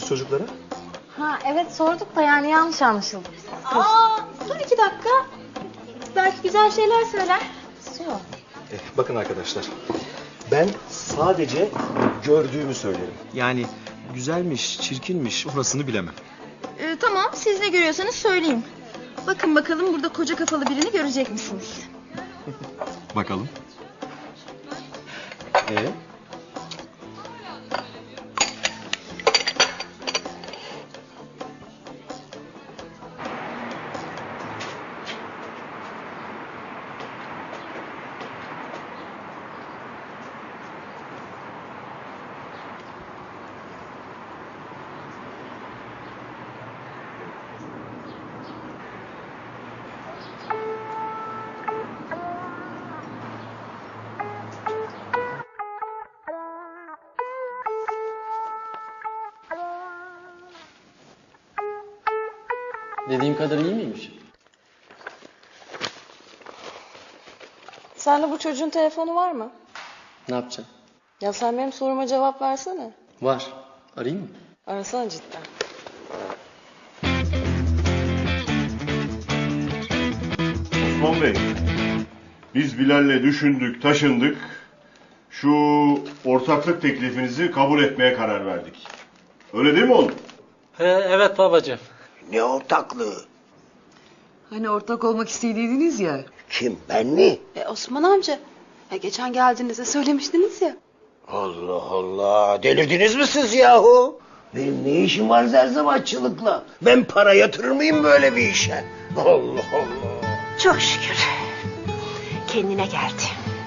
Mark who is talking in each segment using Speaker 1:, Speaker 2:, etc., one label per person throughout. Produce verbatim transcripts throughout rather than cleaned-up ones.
Speaker 1: çocuklara?
Speaker 2: Ha evet sorduk da yani yanlış anlaşıldı.
Speaker 3: Aa, dur iki dakika. Belki güzel şeyler söyler.
Speaker 2: Yok.
Speaker 1: Eh, bakın arkadaşlar, ben sadece gördüğümü söylerim. Yani güzelmiş, çirkinmiş orasını bilemem.
Speaker 3: Ee, tamam, siz ne görüyorsanız söyleyin. Bakın bakalım burada koca kafalı birini görecek misiniz?
Speaker 1: Bakalım. Ee?
Speaker 4: Dediğim kadar iyi miymiş?
Speaker 2: Sende bu çocuğun telefonu var mı?
Speaker 4: Ne yapacaksın?
Speaker 2: Ya sen benim soruma cevap versene.
Speaker 4: Var. Arayayım mı?
Speaker 2: Arasana cidden.
Speaker 5: Osman Bey, biz Bilal'le düşündük, taşındık. Şu ortaklık teklifinizi kabul etmeye karar verdik. Öyle değil mi oğlum?
Speaker 4: He, evet babacığım.
Speaker 6: Ne ortaklığı?
Speaker 7: Hani ortak olmak istediydiniz ya.
Speaker 6: Kim, ben mi?
Speaker 7: E Osman amca. Ya geçen geldiğinizde söylemiştiniz ya.
Speaker 6: Allah Allah, delirdiniz mi siz yahu? Benim ne işim var zerzavatçılıkla? Ben para yatırır mıyım böyle bir işe? Allah Allah.
Speaker 8: Çok şükür. Kendine geldi.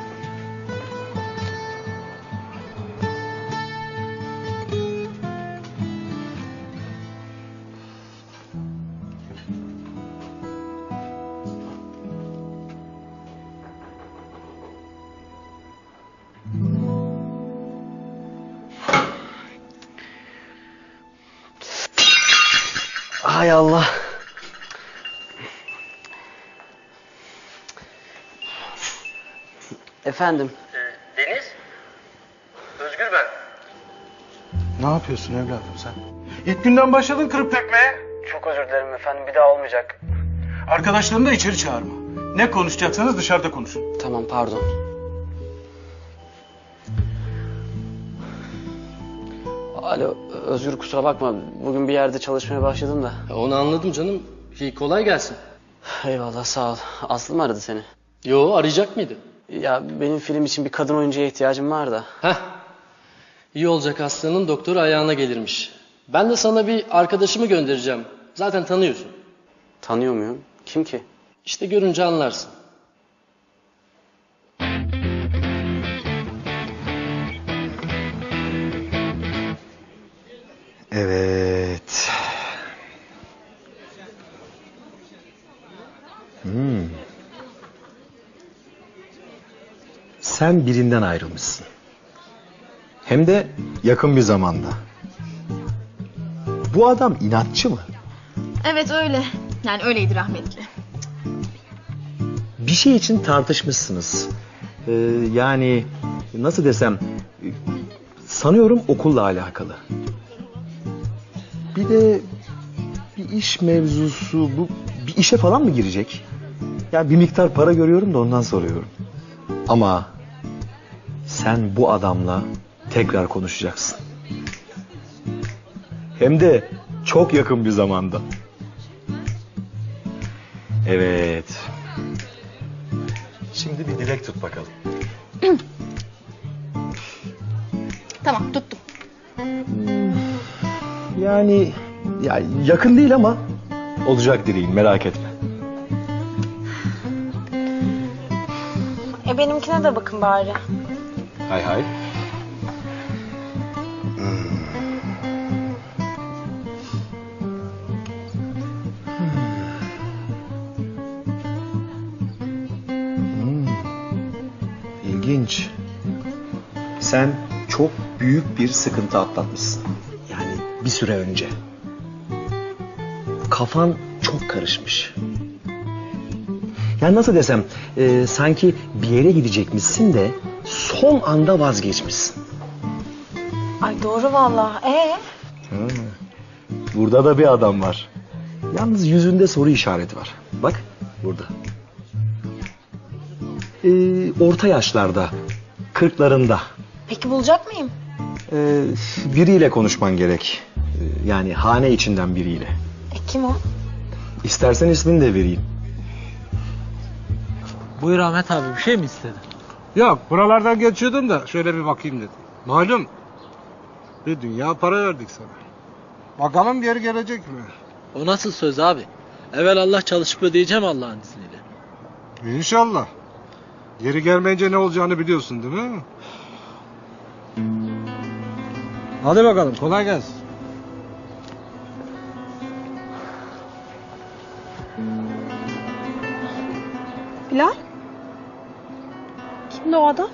Speaker 4: Hay Allah. Efendim?
Speaker 9: Ee, Deniz? Özgür ben.
Speaker 10: Ne yapıyorsun evladım sen? İlk günden başladın kırıp dökmeye.
Speaker 4: Çok özür dilerim efendim, bir daha olmayacak.
Speaker 10: Arkadaşlarını da içeri çağırma. Ne konuşacaksanız dışarıda konuşun.
Speaker 4: Tamam, pardon. Alo, Özgür kusura bakma. Bugün bir yerde çalışmaya başladım da.
Speaker 9: Onu anladım canım. İyi, kolay gelsin.
Speaker 4: Eyvallah, sağ ol. Aslı mı aradı seni?
Speaker 9: Yo, arayacak mıydı?
Speaker 4: Ya benim film için bir kadın oyuncuya ihtiyacım var da.
Speaker 9: Heh. İyi olacak, Aslı'nın doktoru ayağına gelirmiş. Ben de sana bir arkadaşımı göndereceğim. Zaten tanıyorsun.
Speaker 4: Tanıyor muyum? Kim ki?
Speaker 9: İşte görünce anlarsın.
Speaker 1: Evet. Hmm. Sen birinden ayrılmışsın. Hem de yakın bir zamanda. Bu adam inatçı mı?
Speaker 3: Evet öyle. Yani öyleydi rahmetli.
Speaker 1: Bir şey için tartışmışsınız. Ee, yani nasıl desem, sanıyorum okulla alakalı. Bir de bir iş mevzusu, bu bir işe falan mı girecek? Ya bir miktar para görüyorum da ondan soruyorum. Ama sen bu adamla tekrar konuşacaksın. Hem de çok yakın bir zamanda. Evet. Şimdi bir dilek tut bakalım.
Speaker 3: Tamam, tuttum.
Speaker 1: Yani ya yakın değil ama olacak dileğin, merak etme.
Speaker 2: E benimkine de bakın bari.
Speaker 1: Hay hay. Hmm. İlginç. Sen çok büyük bir sıkıntı atlatmışsın. Yani bir süre önce. Kafan çok karışmış. Yani nasıl desem, e, sanki bir yere gidecekmişsin de son anda vazgeçmişsin.
Speaker 2: Ay doğru vallahi. Ee?
Speaker 1: Ha. burada da bir adam var. Yalnız yüzünde soru işareti var. Bak burada. Ee, orta yaşlarda, kırklarında.
Speaker 2: Peki bulacak mıyım?
Speaker 1: Ee, biriyle konuşman gerek. Ee, yani hane içinden biriyle.
Speaker 2: E kim o?
Speaker 1: İstersen ismini de vereyim.
Speaker 11: Buyur Ahmet abi, bir şey mi istedin?
Speaker 10: Yok, buralardan geçiyordum da şöyle bir bakayım dedim. Malum bir dünya para verdik sana. Bakalım geri gelecek mi?
Speaker 11: O nasıl söz abi? Evvel Allah çalışıp ödeyeceğim Allah'ın izniyle.
Speaker 10: İnşallah. Geri gelmeyince ne olacağını biliyorsun değil mi? Hadi bakalım, kolay gelsin.
Speaker 2: Bilal? Kimdi o adam?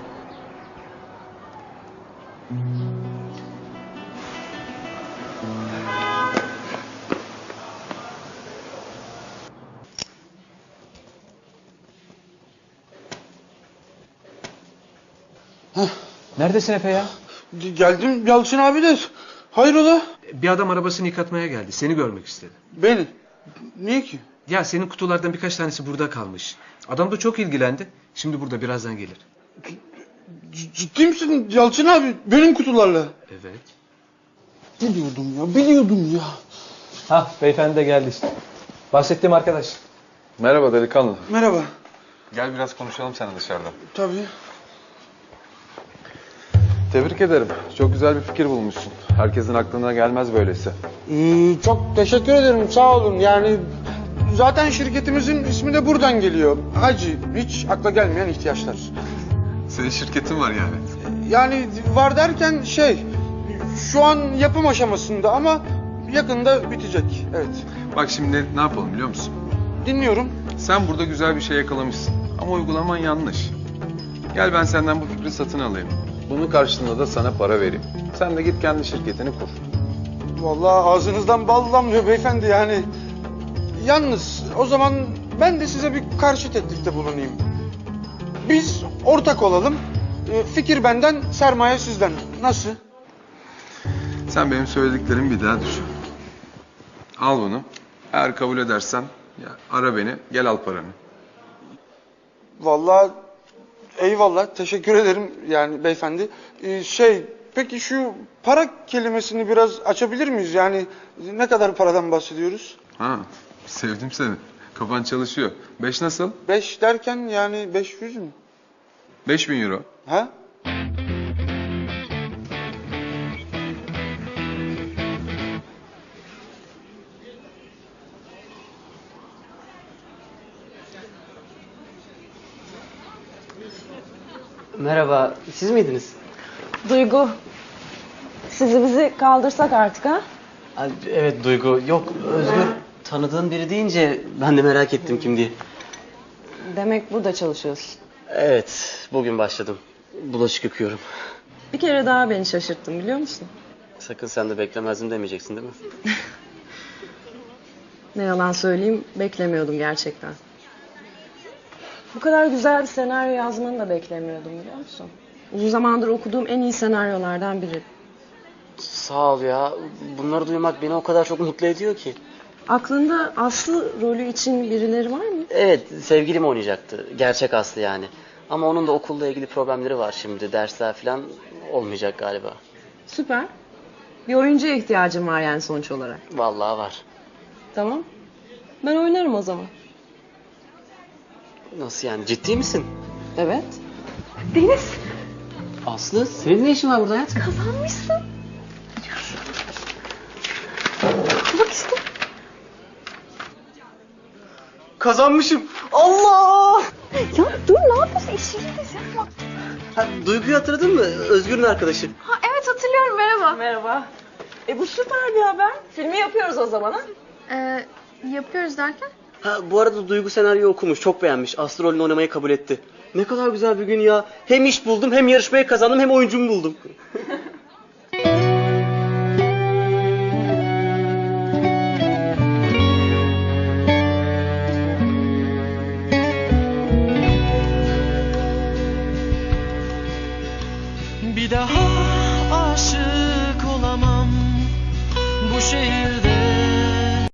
Speaker 12: Neredesin Efe ya?
Speaker 13: Geldim Yalçın abi de. Hayrola?
Speaker 12: Bir adam arabasını yıkatmaya geldi. Seni görmek istedi.
Speaker 13: Beni? Niye ki?
Speaker 12: Ya senin kutulardan birkaç tanesi burada kalmış. Adam da çok ilgilendi. Şimdi burada, birazdan gelir.
Speaker 13: C- ciddi misin Yalçın abi? Benim kutularla.
Speaker 12: Evet.
Speaker 13: Biliyordum ya, biliyordum ya.
Speaker 12: Hah, beyefendi de geldi işte. Bahsettiğim arkadaş.
Speaker 14: Merhaba delikanlı.
Speaker 13: Merhaba.
Speaker 14: Gel biraz konuşalım seninle dışarıda.
Speaker 13: Tabii.
Speaker 14: Tebrik ederim. Çok güzel bir fikir bulmuşsun. Herkesin aklına gelmez böylesi.
Speaker 13: Ee, çok teşekkür ederim, sağ olun. Yani zaten şirketimizin ismi de buradan geliyor. Hacı, hiç akla gelmeyen ihtiyaçlar.
Speaker 14: Senin şirketin var yani.
Speaker 13: Yani var derken şey, şu an yapım aşamasında ama yakında bitecek. Evet.
Speaker 14: Bak şimdi ne yapalım biliyor musun?
Speaker 13: Dinliyorum.
Speaker 14: Sen burada güzel bir şey yakalamışsın. Ama uygulaman yanlış. Gel ben senden bu fikri satın alayım. Bunun karşılığında da sana para vereyim. Sen de git kendi şirketini kur.
Speaker 13: Vallahi ağzınızdan bal damlıyor beyefendi yani. Yalnız o zaman ben de size bir karşı teklifte bulunayım. Biz ortak olalım. Ee, Fikir benden, sermaye sizden. Nasıl?
Speaker 14: Sen benim söylediklerimi bir daha düşün. Al bunu. Eğer kabul edersen ya ara beni, gel al paranı.
Speaker 13: Vallahi eyvallah, teşekkür ederim yani beyefendi. Ee, şey, peki şu para kelimesini biraz açabilir miyiz? Yani ne kadar paradan bahsediyoruz?
Speaker 14: Ha, sevdim seni. Kafan çalışıyor. Beş nasıl?
Speaker 13: Beş derken yani beş yüz mü?
Speaker 14: Beş bin euro.
Speaker 13: Ha?
Speaker 4: Merhaba, siz miydiniz?
Speaker 2: Duygu. Sizi bizi kaldırsak artık ha?
Speaker 4: Ay, evet Duygu. Yok, Özgür tanıdığın biri deyince ben de merak ettim kim diye.
Speaker 2: Demek burada çalışıyorsun.
Speaker 4: Evet, bugün başladım. Bulaşık yıkıyorum.
Speaker 2: Bir kere daha beni şaşırttın biliyor musun?
Speaker 4: Sakın sen de beklemezdim demeyeceksin değil mi?
Speaker 2: Ne yalan söyleyeyim, beklemiyordum gerçekten. Bu kadar güzel bir senaryo yazmanı da beklemiyordum biliyor musun? Uzun zamandır okuduğum en iyi senaryolardan biri.
Speaker 4: Sağ ol ya. Bunları duymak beni o kadar çok mutlu ediyor ki.
Speaker 2: Aklında Aslı rolü için birileri var mı?
Speaker 4: Evet, sevgilim oynayacaktı. Gerçek Aslı yani. Ama onun da okulla ilgili problemleri var şimdi. Dersler falan olmayacak galiba.
Speaker 2: Süper. Bir oyuncuya ihtiyacım var yani sonuç olarak.
Speaker 4: Vallahi var.
Speaker 2: Tamam. Ben oynarım o zaman.
Speaker 4: Nasıl yani? Ciddi misin?
Speaker 2: Evet.
Speaker 8: Deniz,
Speaker 4: Aslı, senin ne işin var burada hayatım?
Speaker 8: kazanmışsın. Bak işte.
Speaker 4: Kazanmışım. Allah!
Speaker 8: Ya dur, ne yapıyorsun? İşindeyiz ya.
Speaker 4: Ha, Duygu'yu hatırladın mı? Özgür'ün arkadaşı.
Speaker 3: Ha evet, hatırlıyorum, merhaba.
Speaker 2: Merhaba. E bu süper bir haber. Filmi yapıyoruz o zaman ha?
Speaker 3: Ee, yapıyoruz derken?
Speaker 4: Ha, bu arada Duygu senaryoyu okumuş, çok beğenmiş. Aslı rolünü oynamayı kabul etti. Ne kadar güzel bir gün ya. Hem iş buldum, hem yarışmayı kazandım, hem oyuncumu buldum.
Speaker 15: Bir daha aşık olamam bu şehirde.